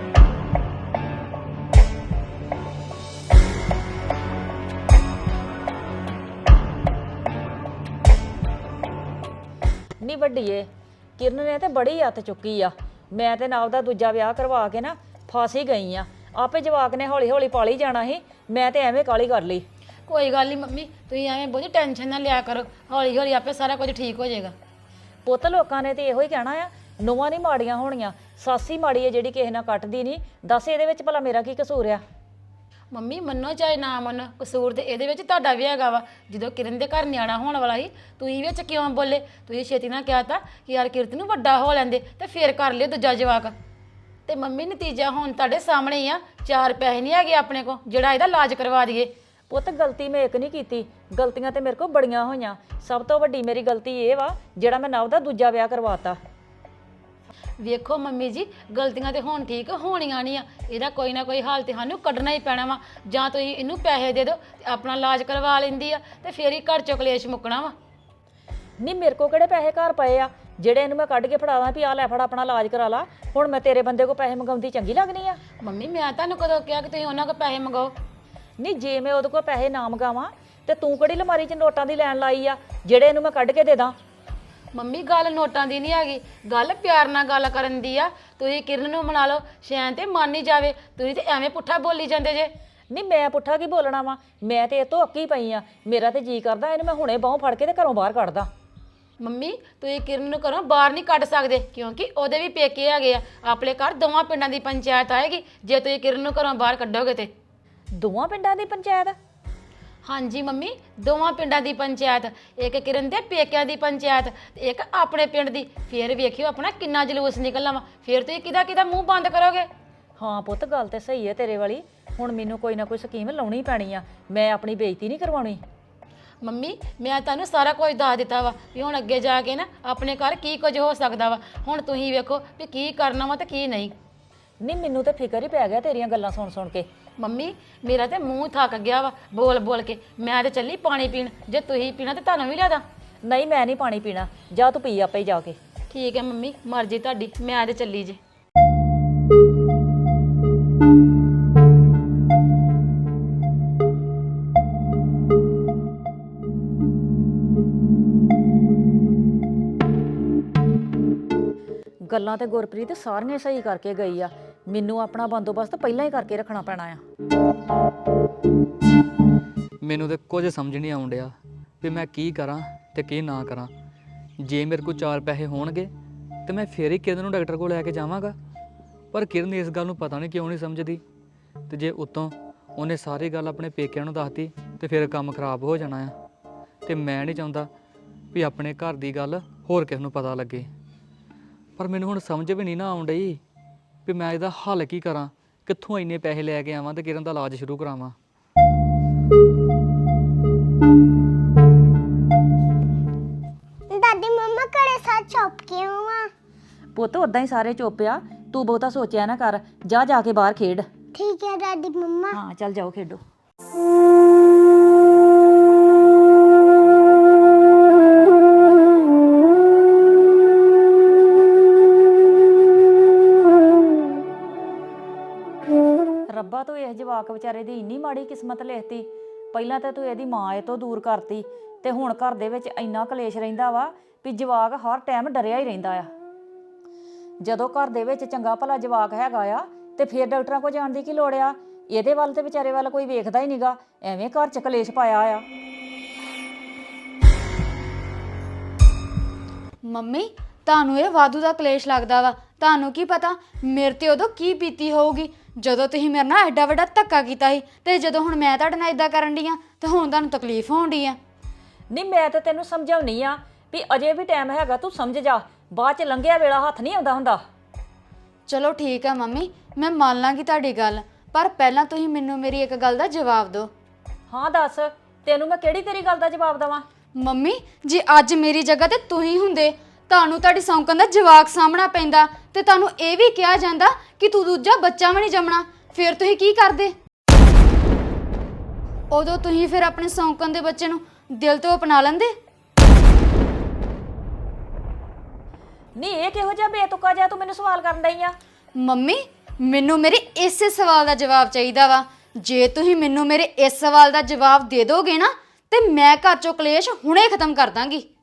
Speaker 5: ਨੀ ਵੱਡੀਏ ਕਿਰਨ ਨੇ ਤੇ ਬੜੀ ਹੱਥ ਚੁੱਕੀ ਆ। ਮੈਂ ਤੇ ਨਾਲ ਦਾ ਦੂਜਾ ਵਿਆਹ ਕਰਵਾ ਕੇ ਨਾ ਫਸ ਹੀ ਗਈ ਆ। ਆਪੇ ਜਵਾਕ ਨੇ ਹੌਲੀ ਹੌਲੀ ਪਾਲੀ ਜਾਣਾ ਸੀ, ਮੈਂ ਤੇ ਐਵੇਂ ਕਾਲੀ ਕਰ ਲਈ।
Speaker 3: ਕੋਈ ਗੱਲ ਨਹੀਂ ਮੰਮੀ, ਤੁਸੀਂ ਐਵੇਂ ਬਹੁਤੀ ਟੈਨਸ਼ਨ ਨਾ ਲਿਆ ਕਰੋ। ਹੌਲੀ ਹੌਲੀ ਆਪੇ ਸਾਰਾ ਕੁਝ ਠੀਕ ਹੋ ਜਾਏਗਾ।
Speaker 5: ਪੁੱਤ ਲੋਕਾਂ ਨੇ ਤੇ ਇਹੋ ਹੀ ਕਹਿਣਾ ਆ ਨੂੰਹਾਂ ਨਹੀਂ ਮਾੜੀਆਂ ਹੋਣੀਆਂ, ਸੱਸ ਹੀ ਮਾੜੀ ਹੈ ਜਿਹੜੀ ਕਿਸੇ ਨਾਲ ਕੱਟਦੀ ਨਹੀਂ। ਦੱਸ ਇਹਦੇ ਵਿੱਚ ਭਲਾ ਮੇਰਾ ਕੀ ਕਸੂਰ ਆ?
Speaker 3: ਮੰਮੀ ਮੰਨੋ ਚਾਹੇ ਨਾ ਮੰਨੋ, ਕਸੂਰ ਤੇ ਇਹਦੇ ਵਿੱਚ ਤੁਹਾਡਾ ਵੀ ਹੈਗਾ ਵਾ। ਜਦੋਂ ਕਿਰਨ ਦੇ ਘਰ ਨਿਆਣਾ ਹੋਣ ਵਾਲਾ ਸੀ ਤੁਸੀਂ ਵਿੱਚ ਕਿਉਂ ਬੋਲੇ? ਤੁਸੀਂ ਛੇਤੀ ਨਾਲ ਕਿਹਾ ਤਾ ਕਿ ਯਾਰ ਕਿਰਤ ਨੂੰ ਵੱਡਾ ਹੋ ਲੈਂਦੇ ਤੇ ਫੇਰ ਕਰ ਲਿਓ ਦੂਜਾ ਜਵਾਕ। ਤੇ ਮੰਮੀ ਨਤੀਜਾ ਹੁਣ ਤੁਹਾਡੇ ਸਾਹਮਣੇ ਹੀ ਆ। ਚਾਰ ਪੈਸੇ ਨਹੀਂ ਹੈਗੇ ਆਪਣੇ ਕੋਲ ਜਿਹੜਾ ਇਹਦਾ ਇਲਾਜ ਕਰਵਾ ਦਈਏ।
Speaker 5: ਪੁੱਤ ਗਲਤੀ ਮੈਂ ਇੱਕ ਨਹੀਂ ਕੀਤੀ, ਗਲਤੀਆਂ ਤੇ ਮੇਰੇ ਕੋਲ ਬੜੀਆਂ ਹੋਈਆਂ। ਸਭ ਤੋਂ ਵੱਡੀ ਮੇਰੀ ਗਲਤੀ ਇਹ ਵਾ ਜਿਹੜਾ ਮੈਂ ਨਵ ਦਾ ਦੂਜਾ ਵਿਆਹ ਕਰਵਾਤਾ।
Speaker 3: ਵੇਖੋ ਮੰਮੀ ਜੀ, ਗਲਤੀਆਂ ਤੇ ਹੁਣ ਠੀਕ ਹੋਣੀਆਂ ਨਹੀਂ ਆ। ਇਹਦਾ ਕੋਈ ਨਾ ਕੋਈ ਹਾਲ ਤੇ ਸਾਨੂੰ ਕੱਢਣਾ ਹੀ ਪੈਣਾ ਵਾ। ਜਾਂ ਤੁਸੀਂ ਇਹਨੂੰ ਪੈਸੇ ਦੇ ਦਿਓ ਤੇ ਆਪਣਾ ਇਲਾਜ ਕਰਵਾ ਲੈਂਦੀ ਆ ਤੇ ਫੇਰ ਹੀ ਘਰ ਚੋਂ ਕਲੇਸ਼ ਮੁੱਕਣਾ ਵਾ।
Speaker 5: ਨਹੀਂ ਮੇਰੇ ਕੋਲ ਕਿਹੜੇ ਪੈਸੇ ਘਰ ਪਏ ਆ ਜਿਹੜੇ ਇਹਨੂੰ ਮੈਂ ਕੱਢ ਕੇ ਫੜਾਦਾ ਵੀ ਆ ਲੈ ਫੜ ਆਪਣਾ ਇਲਾਜ ਕਰਾ ਲਾ। ਹੁਣ ਮੈਂ ਤੇਰੇ ਬੰਦੇ ਕੋਲ ਪੈਸੇ ਮੰਗਾਉਂਦੀ ਚੰਗੀ ਲੱਗਣੀ ਆ?
Speaker 3: ਮੰਮੀ ਮੈਂ ਤੁਹਾਨੂੰ ਕਦੋਂ ਕਿਹਾ ਕਿ ਤੁਸੀਂ ਉਹਨਾਂ ਕੋਲ ਪੈਸੇ ਮੰਗਾਓ?
Speaker 5: ਨਹੀਂ ਜੇ ਮੈਂ ਉਹਦੇ ਕੋਲ ਪੈਸੇ ਨਾ ਮੰਗਾਵਾਂ ਤੇ ਤੂੰ ਕਿਹੜੀ ਲਮਾਰੀ 'ਚ ਨੋਟਾਂ ਦੀ ਲੈਣ ਲਾਈ ਆ ਜਿਹੜੇ ਇਹਨੂੰ ਮੈਂ ਕੱਢ ਕੇ ਦੇ ਦਾਂ?
Speaker 3: ਮੰਮੀ ਗੱਲ ਨੋਟਾਂ ਦੀ ਨਹੀਂ ਹੈਗੀ, ਗੱਲ ਪਿਆਰ ਨਾਲ ਗੱਲ ਕਰਨ ਦੀ ਆ। ਤੁਸੀਂ ਕਿਰਨ ਨੂੰ ਮਨਾ ਲਓ, ਸ਼ੈਨ ਤੇ ਮੰਨ ਹੀ ਜਾਵੇ। ਤੁਸੀਂ ਤੇ ਐਵੇਂ ਪੁੱਠਾ ਬੋਲੀ ਜਾਂਦੇ ਜੇ।
Speaker 5: ਨਹੀਂ ਮੈਂ ਪੁੱਠਾ ਕੀ ਬੋਲਣਾ ਵਾ? ਮੈਂ ਤੇ ਇਹ ਤੋਂ ਅੱਕੀ ਪਈ ਆ। ਮੇਰਾ ਤੇ ਜੀ ਕਰਦਾ ਇਹਨੂੰ ਮੈਂ ਹੁਣੇ ਬਾਹੋਂ ਫੜ ਕੇ ਤੇ ਘਰੋਂ ਬਾਹਰ ਕੱਢਦਾ।
Speaker 3: ਮੰਮੀ ਤੁਸੀਂ ਕਿਰਨ ਨੂੰ ਘਰੋਂ ਬਾਹਰ ਨਹੀਂ ਕੱਢ ਸਕਦੇ ਕਿਉਂਕਿ ਉਹਦੇ ਵੀ ਪੇਕੇ ਹੈਗੇ ਆ। ਆਪਣੇ ਘਰ ਦੋਵਾਂ ਪਿੰਡਾਂ ਦੀ ਪੰਚਾਇਤ ਆਏਗੀ ਜੇ ਤੁਸੀਂ ਕਿਰਨ ਨੂੰ ਘਰੋਂ ਬਾਹਰ ਕੱਢੋਗੇ ਤੇ।
Speaker 5: ਦੋਵਾਂ ਪਿੰਡਾਂ ਦੀ ਪੰਚਾਇਤ?
Speaker 3: ਹਾਂਜੀ ਮੰਮੀ, ਦੋਵਾਂ ਪਿੰਡਾਂ ਦੀ ਪੰਚਾਇਤ, ਇੱਕ ਕਿਰਨ ਦੇ ਪੇਕਿਆਂ ਦੀ ਪੰਚਾਇਤ ਤੇ ਇੱਕ ਆਪਣੇ ਪਿੰਡ ਦੀ। ਫੇਰ ਵੇਖਿਓ ਆਪਣਾ ਕਿੰਨਾ ਜਲੂਸ ਨਿਕਲਣਾ ਵਾ। ਫੇਰ ਤੁਸੀਂ ਕਿਹਦਾ ਕਿਹਦਾ ਮੂੰਹ ਬੰਦ ਕਰੋਗੇ?
Speaker 5: ਹਾਂ ਪੁੱਤ, ਗੱਲ ਤੇ ਸਹੀ ਹੈ ਤੇਰੇ ਵਾਲੀ। ਹੁਣ ਮੈਨੂੰ ਕੋਈ ਨਾ ਕੋਈ ਸਕੀਮ ਲਾਉਣੀ ਪੈਣੀ ਆ, ਮੈਂ ਆਪਣੀ ਬੇਇੱਜ਼ਤੀ ਨਹੀਂ ਕਰਵਾਉਣੀ।
Speaker 3: ਮੰਮੀ ਮੈਂ ਤੁਹਾਨੂੰ ਸਾਰਾ ਕੁਝ ਦੱਸ ਦਿੱਤਾ ਵਾ ਵੀ ਹੁਣ ਅੱਗੇ ਜਾ ਕੇ ਨਾ ਆਪਣੇ ਘਰ ਕੀ ਕੁਝ ਹੋ ਸਕਦਾ ਵਾ। ਹੁਣ ਤੁਸੀਂ ਵੇਖੋ ਵੀ ਕੀ ਕਰਨਾ ਵਾ ਤੇ ਕੀ ਨਹੀਂ।
Speaker 5: ਨਹੀਂ, ਮੈਨੂੰ ਤੇ ਫਿਕਰ ਹੀ ਪੈ ਗਿਆ ਤੇਰੀਆਂ ਗੱਲਾਂ ਸੁਣ ਸੁਣ ਕੇ।
Speaker 3: ਮੰਮੀ ਮੇਰਾ ਤੇ ਮੂੰਹ ਥੱਕ ਗਿਆ ਵਾ ਬੋਲ ਬੋਲ ਕੇ। ਮੈਂ ਤੇ ਚੱਲੀ ਪਾਣੀ ਪੀਣ, ਜੇ ਤੁਸੀਂ ਪੀਣਾ ਤੇ ਤੁਹਾਨੂੰ ਵੀ ਲਿਆਦਾ।
Speaker 5: ਨਹੀਂ, ਮੈਂ ਨਹੀਂ ਪਾਣੀ ਪੀਣਾ, ਜਾ ਤੂੰ ਪੀ ਆਪੇ ਹੀ ਜਾ ਕੇ।
Speaker 3: ਠੀਕ ਹੈ ਮੰਮੀ, ਮਰਜ਼ੀ ਤੁਹਾਡੀ, ਮੈਂ ਤੇ ਚੱਲੀ ਜੇ।
Speaker 5: ਗੱਲਾਂ ਤੇ ਗੁਰਪ੍ਰੀਤ ਸਾਰੀਆਂ ਸਹੀ ਕਰਕੇ ਗਈ ਆ, ਮੈਨੂੰ ਆਪਣਾ ਬੰਦੋਬਸਤ ਪਹਿਲਾਂ ਹੀ ਕਰਕੇ ਰੱਖਣਾ ਪੈਣਾ ਆ।
Speaker 4: ਮੈਨੂੰ ਤੇ ਕੁਝ ਸਮਝ ਨਹੀਂ ਆਉਣ ਡਿਆ ਵੀ ਮੈਂ ਕੀ ਕਰਾਂ ਤੇ ਕੀ ਨਾ ਕਰਾਂ। ਜੇ ਮੇਰੇ ਕੋਲ ਚਾਰ ਪੈਸੇ ਹੋਣਗੇ ਤੇ ਮੈਂ ਫੇਰ ਹੀ ਕਿਰਨ ਨੂੰ ਡਾਕਟਰ ਕੋਲ ਲੈ ਕੇ ਜਾਵਾਂਗਾ, ਪਰ ਕਿਰਨ ਇਸ ਗੱਲ ਨੂੰ ਪਤਾ ਨਹੀਂ ਕਿਉਂ ਨਹੀਂ ਸਮਝਦੀ। ਤੇ ਜੇ ਉਤੋਂ ਉਹਨੇ ਸਾਰੀ ਗੱਲ ਆਪਣੇ ਪੇਕਿਆਂ ਨੂੰ ਦੱਸਤੀ ਤੇ ਫਿਰ ਕੰਮ ਖਰਾਬ ਹੋ ਜਾਣਾ ਆ। ਤੇ ਮੈਂ ਨਹੀਂ ਚਾਹੁੰਦਾ ਵੀ ਆਪਣੇ ਘਰ ਦੀ ਗੱਲ ਹੋਰ ਕਿਸ ਨੂੰ ਪਤਾ ਲੱਗੇ। ਪਰ ਮੈਨੂੰ ਹੁਣ ਸਮਝ ਵੀ ਨਹੀਂ ਨਾ ਆਉਣ ਡਈ ਵੀ ਮੈਂ ਇਹਦਾ ਹੱਲ ਕੀ ਕਰਾਂ, ਕਿੱਥੋਂ ਇੰਨੇ ਪੈਸੇ ਲੈ ਕੇ ਆਵਾਂ ਤੇ ਕਿਰਨ ਦਾ ਇਲਾਜ ਸ਼ੁਰੂ ਕਰਾਵਾਂ।
Speaker 6: ਦਾਦੀ ਮੰਮਾ ਘਰੇ ਸੱਚ ਚੁੱਪ ਕਿਉਂ ਆ?
Speaker 5: ਪੁੱਤ ਉਦਾਂ ਹੀ ਸਾਰੇ ਚੁੱਪ ਆ, ਤੂੰ ਬਹੁਤਾ ਸੋਚਿਆ ਨਾ ਕਰ, ਜਾ ਜਾ ਕੇ ਬਾਹਰ ਖੇਡ।
Speaker 6: ਠੀਕ ਹੈ ਦਾਦੀ ਮੰਮਾ।
Speaker 5: ਹਾਂ ਚੱਲ ਜਾਓ ਖੇਡੋ। ਰੱਬਾ, ਤੂੰ ਇਸ ਜਵਾਕ ਵਿਚਾਰੇ ਦੀ ਇੰਨੀ ਮਾੜੀ ਕਿਸਮਤ ਲਿਖਤੀ। ਪਹਿਲਾਂ ਤਾਂ ਤੂੰ ਇਹਦੀ ਮਾਂ ਇਹ ਤੋਂ ਦੂਰ ਕਰਤੀ ਤੇ ਹੁਣ ਘਰ ਦੇ ਵਿੱਚ ਇੰਨਾ ਕਲੇਸ਼ ਰਹਿੰਦਾ ਵਾ ਵੀ ਜਵਾਕ ਹਰ ਟਾਈਮ ਡਰਿਆ ਹੀ ਰਹਿੰਦਾ ਆ। ਜਦੋਂ ਘਰ ਦੇ ਵਿੱਚ ਚੰਗਾ ਭਲਾ ਜਵਾਕ ਹੈਗਾ ਆ ਤੇ ਫਿਰ ਡਾਕਟਰਾਂ ਕੋਲ ਜਾਣ ਦੀ ਕੀ ਲੋੜ ਆ? ਇਹਦੇ ਵੱਲ ਤੇ ਵਿਚਾਰੇ ਵੱਲ ਕੋਈ ਵੇਖਦਾ ਹੀ ਨਹੀਂਗਾ, ਐਵੇਂ ਘਰ 'ਚ ਕਲੇਸ਼ ਪਾਇਆ ਆ।
Speaker 1: ਮੰਮੀ ਤੁਹਾਨੂੰ ਇਹ ਵਾਧੂ ਦਾ ਕਲੇਸ਼ ਲੱਗਦਾ ਵਾ। ਤੁਹਾਨੂੰ ਕੀ ਪਤਾ ਮੇਰੇ ਤੇ ਉਦੋਂ ਕੀ ਬੀਤੀ ਹੋਊਗੀ ਜਦੋਂ ਤੁਸੀਂ ਮੇਰੇ ਨਾਲ ਐਡਾ ਵੱਡਾ ਧੱਕਾ ਕੀਤਾ ਸੀ, ਤੇ ਜਦੋਂ ਹੁਣ ਮੈਂ ਤੁਹਾਡੇ ਨਾਲ ਇਦਾਂ ਕਰਨ ਡਈ ਆ ਤੇ ਹੁਣ ਤੁਹਾਨੂੰ ਤਕਲੀਫ ਹੋਣ ਡਈ ਆ।
Speaker 5: ਨਹੀਂ, ਮੈਂ ਤਾਂ ਤੈਨੂੰ ਸਮਝਾਉਣੀ ਆ ਵੀ ਅਜੇ ਵੀ ਟਾਈਮ ਹੈਗਾ, ਤੂੰ ਸਮਝ ਜਾ। ਬਾਅਦ 'ਚ ਲੰਘਿਆ ਵੇਲਾ ਹੱਥ ਨਹੀਂ ਆਉਂਦਾ ਹੁੰਦਾ।
Speaker 1: ਚਲੋ ਠੀਕ ਆ ਮੰਮੀ, ਮੈਂ ਮੰਨ ਲਾਂਗੀ ਤੁਹਾਡੀ ਗੱਲ, ਪਰ ਪਹਿਲਾਂ ਤੁਸੀਂ ਮੈਨੂੰ ਮੇਰੀ ਇੱਕ ਗੱਲ ਦਾ ਜਵਾਬ ਦਿਓ।
Speaker 5: ਹਾਂ ਦੱਸ, ਤੈਨੂੰ ਮੈਂ ਕਿਹੜੀ ਤੇਰੀ ਗੱਲ ਦਾ ਜਵਾਬ ਦੇਵਾਂ?
Speaker 1: ਮੰਮੀ ਜੇ ਅੱਜ ਮੇਰੀ ਜਗ੍ਹਾ ਤੇ ਤੁਸੀਂ ਹੁੰਦੇ, ਤੁਹਾਨੂੰ ਤੁਹਾਡੀ ਸੌਂਕਣ ਦਾ ਜਵਾਕ ਸਾਹਮਣਾ ਪੈਂਦਾ ਤੇ ਤੁਹਾਨੂੰ ਇਹ ਵੀ ਕਿਹਾ ਜਾਂਦਾ ਕਿ ਤੂੰ ਦੂਜਾ ਬੱਚਾ ਵੀ ਨਹੀਂ ਜੰਮਣਾ, ਫਿਰ ਤੁਸੀਂ ਕੀ ਕਰਦੇ? ਉਦੋਂ ਤੁਸੀਂ ਫਿਰ ਆਪਣੇ ਸੌਂਕਣ ਦੇ ਬੱਚੇ ਨੂੰ ਦਿਲ ਤੋਂ ਅਪਣਾ ਲੈਂਦੇ।
Speaker 5: ਨਹੀਂ, ਇਹ ਕਿਹੋ ਜਿਹਾ ਬੇਤੁਕਾ ਜਿਹਾ ਤੂੰ ਮੈਨੂੰ ਸਵਾਲ ਕਰਨ ਡਈ ਆ?
Speaker 1: ਮੰਮੀ ਮੈਨੂੰ ਮੇਰੇ ਇਸੇ ਸਵਾਲ ਦਾ ਜਵਾਬ ਚਾਹੀਦਾ ਵਾ। ਜੇ ਤੁਸੀਂ ਮੈਨੂੰ ਮੇਰੇ ਇਸ ਸਵਾਲ ਦਾ ਜਵਾਬ ਦੇ ਦੋਗੇ ਨਾ ਤੇ ਮੈਂ ਘਰ ਚੋਂ ਕਲੇਸ਼ ਹੁਣੇ ਖਤਮ ਕਰ ਦਾਂਗੀ।